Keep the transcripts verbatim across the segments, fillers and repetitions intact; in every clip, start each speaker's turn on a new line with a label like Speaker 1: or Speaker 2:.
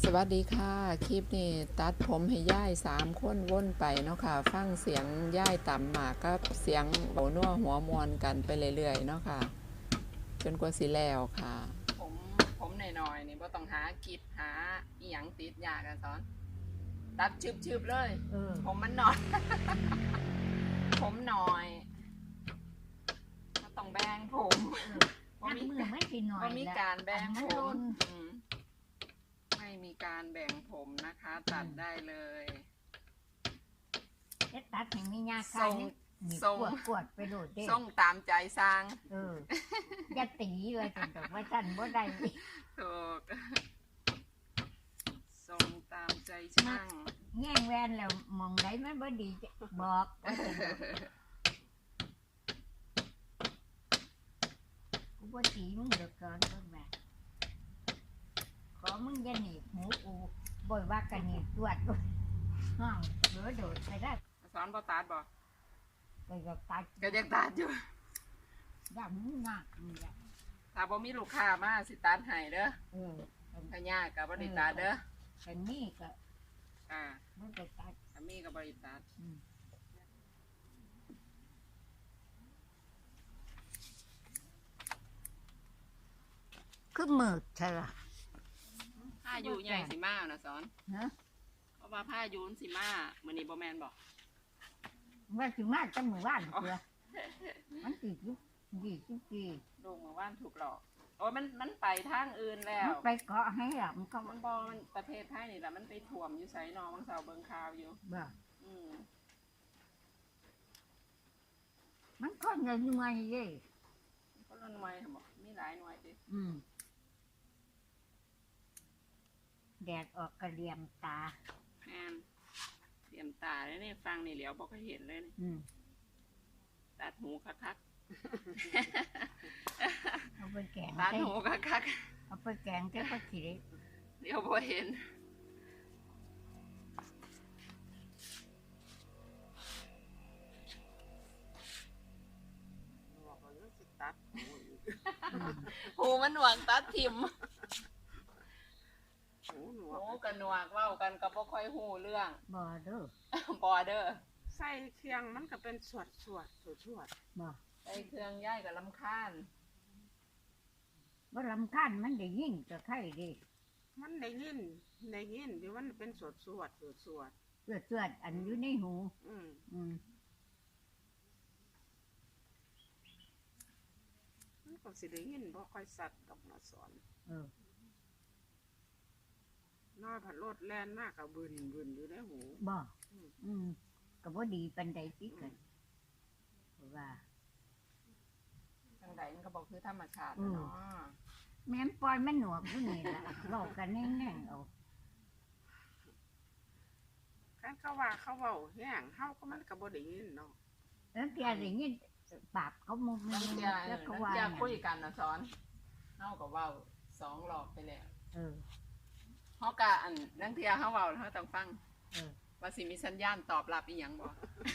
Speaker 1: สวัสดีค่ะคลิปนี้ตัดผมให้ย่ายสามคนว่นไปเนาะค่ะฟังเสียงย่ายต่ำหมากกับเสียงโบนัวหัวมวนกันไปเรื่อยๆเนาะค่ะจนกว่าสิแล้วค่ะผมผมหน่อยๆนี่บ่ต้องหากิบหาอีหยังติดยากกันสอนตัดชืบๆเลยเออผมมันหน่อย ผมหน่อยก็ต้องแบ่งผม
Speaker 2: บ่มีไม่สิหน่อย
Speaker 1: บ่มีการแบ่งผมไม่มีการแบ่งผมนะคะตัดได้เลย
Speaker 2: เอ็ดตัดให้มียาคายนี่ส่งกวดไปโดดเด้
Speaker 1: ส่งตามใจสร้าง
Speaker 2: เอออย่าตีเลยจนแบบว่าฉันบ่ได้
Speaker 1: ถูกส่งตามใจช่าง
Speaker 2: แง่งแวนแล้วมองได้มันบ่ดีบอกกูบ่ตีมึงเดือดร้อนเบิ่งแม่ขอมึงอย่าหนีบหูกูบ่อยว่ากันหนีบตรวจด้วยห้องเหลือโดดไปได้
Speaker 1: สอนบ่ตัดบ่
Speaker 2: ก็อยากตัด
Speaker 1: ก็ยังตัดอยู่
Speaker 2: อย่ามึงหนักมึงอย่า
Speaker 1: ถ้าบ่มีลูกค้ามาสิตัดให้เด้อเออถ้ายากก็บ่ได้ตัดเด้อ
Speaker 2: แต่นี่ก็
Speaker 1: อ่า
Speaker 2: บ่ได้ตัด
Speaker 1: ถ้ามีก็บ่ได้ตัด
Speaker 2: คือมืดใช่ล่ะ
Speaker 1: ผ้าอยู่ใหญ่สิมานะสอนฮะเพราะว่าผ้ายูนสิมามื้อนี้บ่แม่นบ่
Speaker 2: ว่าสิมาจังมื้อวานเด้อมันสิอยู่ยี่สิบปี
Speaker 1: ลูกมื้อวานถูกหลอกโอ้มันมันไปทางอื่นแล้ว
Speaker 2: ไปเกาะให้ล่ะมันก็
Speaker 1: มันบ่มันประเทศไทยนี่ล่ะมันไปท่วมอยู่ไสนอบางเสาเบิ่งข่าวอยู่
Speaker 2: บ่
Speaker 1: อืม
Speaker 2: มันก็หน่วยๆเด้
Speaker 1: ก็ละหน่วยหั่นบ่มีหลายหน่วยติ
Speaker 2: อืมแดดออกกระเลียมตา
Speaker 1: แม่นเตรียมตาเลยนี่ฟังนี่เหลียวบ่ค่อยเห็นเลยนี่ตัดหูคัก
Speaker 2: ๆเอาไปแกง
Speaker 1: ตัดหูคัก
Speaker 2: ๆเอาไปแกงแค่ผักขี้
Speaker 1: เดี๋ยวบ่เห็นหูมันหนวกตัดทิ่มหูหนวกหูกับหนวกเว้ากันก็บ่ค่อยฮู้เรื่อง
Speaker 2: บ่เด้อ
Speaker 1: บ่เด้อ
Speaker 3: ใส่เครื่องมันก็เป็นสวดสวดสวดสวด
Speaker 2: บ่
Speaker 1: ใส่เครื่องย้ายกับลำคาญ
Speaker 2: บ่ลำคาญมันได้ยินก็ไข่ดิ
Speaker 3: มันได้ยินได้ยินที่มันเป็นสวดสวดสวดสวด
Speaker 2: สวดสวดอันอยู่ในหู
Speaker 3: อืม
Speaker 2: อืม
Speaker 3: มันก็สิได้ยินบ่ค่อยสัตว์ดอกนะสอน
Speaker 2: เออ
Speaker 3: น้อยผัดรถแล่นมากกับบึนบึนอยู่ในหู
Speaker 2: บ่อืมก็บ่ดีปานใดติกันว่า
Speaker 1: จังไดมันก็บ่คือธรรมชาติเนาะ
Speaker 2: แม่นปล่อยมันหนวกอยู่นี่ล่ะเว้ากันแน่ๆเอา
Speaker 3: คันเขาว่าเขาเว้าแห้งเฮาก็มันก็บ่ได้ยินเนาะ
Speaker 2: แล้วแกได้ยินปากเขามุมนึง
Speaker 1: แล้วก็ว่าจะคุยกันนะสอนเฮาก็เว้าสองรอบไปแล้ว
Speaker 2: เออ
Speaker 1: เฮาก็อันนังเที่ยเฮาเว้าเฮาต้องฟังเออว่าสิมีสัญญาณตอบรับอีหยังบ่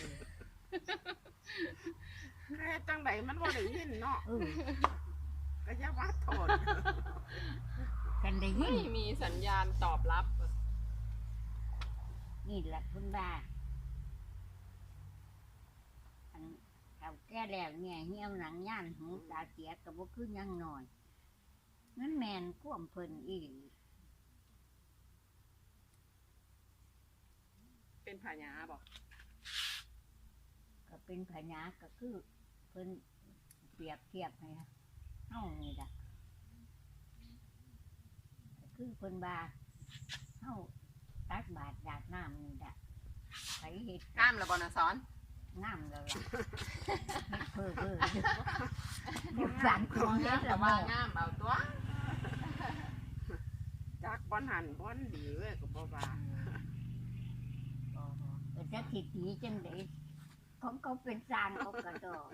Speaker 3: แค่จังไดมันบ่ได้ยินเนาะเออก็อย่าว่าโทษ
Speaker 2: กันได้ยิน
Speaker 1: ไม่มีสัญญาณตอบรับ
Speaker 2: นี่แหละคุณบ้าอันเขาแก่แล้วเนี่ยเหี่ยวหนังย่านหูตาเสียก็บ่คือยังน้อยนั่นแม่นความเพิ่นอี
Speaker 1: เป็นพญาบ่
Speaker 2: ก็เป็นพญาก็คือเพิ่นเปรียบเทียบให้เฮานี่ล่ะคือเพิ่นว่าเฮาตักบาตรดาดน้ำนี่ล่ะไผเฮ็ด
Speaker 1: งามแล้วบ่น่ะสอน
Speaker 2: งามแล้วล่ะเฮ็ดเพ้อเพ้ออยู่ฝันของเฮ็ด
Speaker 1: แล้วว่างามเอาตัว
Speaker 3: จักบ่หันบ่ดีเว้ยก็บ่ว่า
Speaker 2: แต่จะคิดดีจังได๋ของเขาเป็นสร้างเขาก็ดอก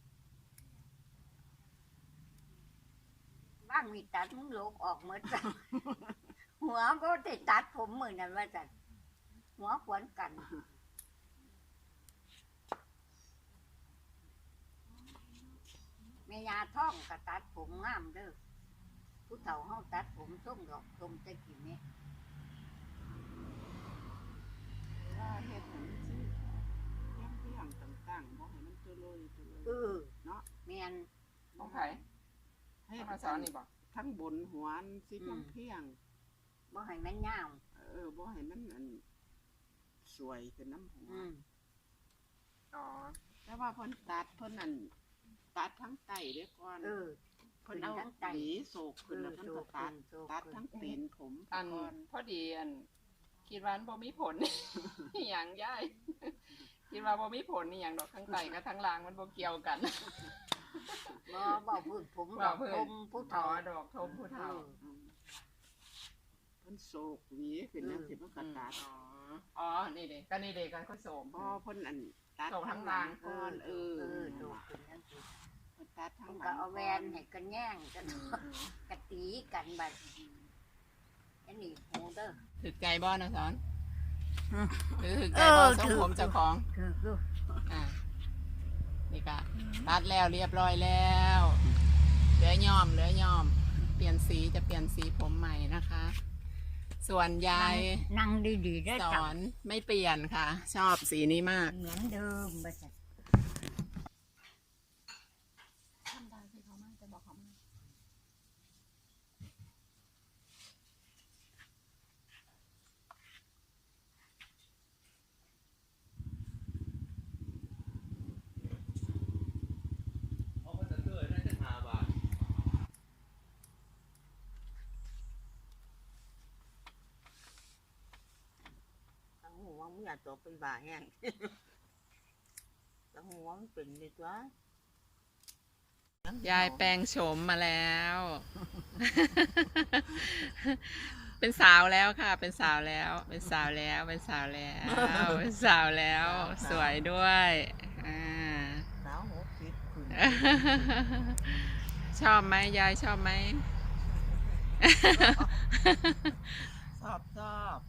Speaker 2: บ้างมีตัดมึงโลกออกหมดจังหัวบ่ได้ตัดผมมื้อนั้นว่าจังหัวขวนกันแม่ยาท้องก็ตัดผมงามเด้อผู้เฒ่าเฮาตัดผมทรงดอกทรงตะกี้นี้
Speaker 3: ว่าเฮ็ดให้มันสิเพียงเพียงต่างๆบ่ให้มันตัวลอยตัวลอย
Speaker 2: เออ
Speaker 3: เนาะ
Speaker 2: แม่น
Speaker 1: ของไผ
Speaker 3: ให้
Speaker 1: มาสอนนี่บ่
Speaker 3: ทั้งบนหัวอันสิ
Speaker 2: อื
Speaker 3: เพีย
Speaker 2: ม
Speaker 3: งเพียง
Speaker 2: บ่ให้มันยาว
Speaker 3: เออบ่ให้มันอันสวยขึ้นน้ำหัว
Speaker 2: อืม
Speaker 1: อ๋อ
Speaker 3: แต่ว่าเพิ่นตัดเพิ่นนั่นตัดทั้งไตเด้อก่อน
Speaker 2: เออ
Speaker 3: เพิ่นเอา
Speaker 2: ทั้งไต
Speaker 3: หวีโศกขึ้นแล้ว
Speaker 2: เออ
Speaker 3: เพิ่นก็ตัด
Speaker 2: โศกขึ้น
Speaker 3: ตัด
Speaker 2: โศกขึ้น
Speaker 3: ทั้งตีนผม
Speaker 1: อัน
Speaker 3: ก่อน
Speaker 1: พอดีอันคิดว่ามันบ่มีผล อหย่างย่าย คิดว่าบ่มีผลนี่หยังดอกทั้งไตกับทั้งล่างมันบ่เกี่ยวกัน
Speaker 2: บ่บ่พื้นผม
Speaker 1: บ่
Speaker 2: ดอก
Speaker 1: พื้น
Speaker 2: ผมผู้
Speaker 1: ถอ
Speaker 2: เฒ่า
Speaker 1: ดอกทมผู้เฒ่า
Speaker 3: อืมเพิ่นโศกหวีขึ้นแล้วสิเพิ่นก็ตัด
Speaker 1: อ๋อ อ๋อ นี่เด็กก็นี่เด็กกันเขาโสม
Speaker 3: พอเพิ่นอันตัด
Speaker 1: โศกทั้งหลัง
Speaker 3: ก่อนเออ
Speaker 2: เออโดดขึ้นทั้งที
Speaker 3: เพิ่นตัดทั้
Speaker 2: มั
Speaker 3: ง
Speaker 2: น
Speaker 3: ห
Speaker 2: ก็
Speaker 3: ลัง
Speaker 2: เอาแวนให้กันแย่งกันกะตีกันบัดอันนี้หูเด้อ
Speaker 1: ถือใจบ่นะสอน
Speaker 2: อืม
Speaker 1: หรือถือใจ
Speaker 2: เอ
Speaker 1: บ่
Speaker 2: อ
Speaker 1: ทรง
Speaker 2: ถือ
Speaker 1: ผมเจ้าของ
Speaker 2: คือคือ
Speaker 1: อ่า นี่ก็ตัดแล้วเรียบร้อยแล้วเหลือย่อมเหลือย่อม เปลี่ยนสีจะเปลี่ยนสีผมใหม่นะคะ ส่วนยาย
Speaker 2: นั่งดีๆได้
Speaker 1: ส
Speaker 2: จั
Speaker 1: อนไม่เปลี่ยนค่ะ ชอบสีนี้มาก
Speaker 2: เหมือนเดิมบัดนี้
Speaker 1: ทำได้สิเขามากจะบอกเขามาก
Speaker 4: เอามาเตอร์น่าจะหาบาท
Speaker 5: ตั้งหัวมึงอยากตกเป็นบ่าแห้ง ตั้งหัวมันเป็นเลยตัวย
Speaker 1: ายแปลงโฉมมาแล้ว เป็นสาวแล้วค่ะ เป็นสาวแล้ว เป็นสาวแล้ว เป็นสาวแล้ว เป็นสาวแล้ว สวยด้วยอ่า
Speaker 5: สาวหกสิบขึ้น
Speaker 1: ชอบไหมยายชอบไหม
Speaker 5: ชอบชอบ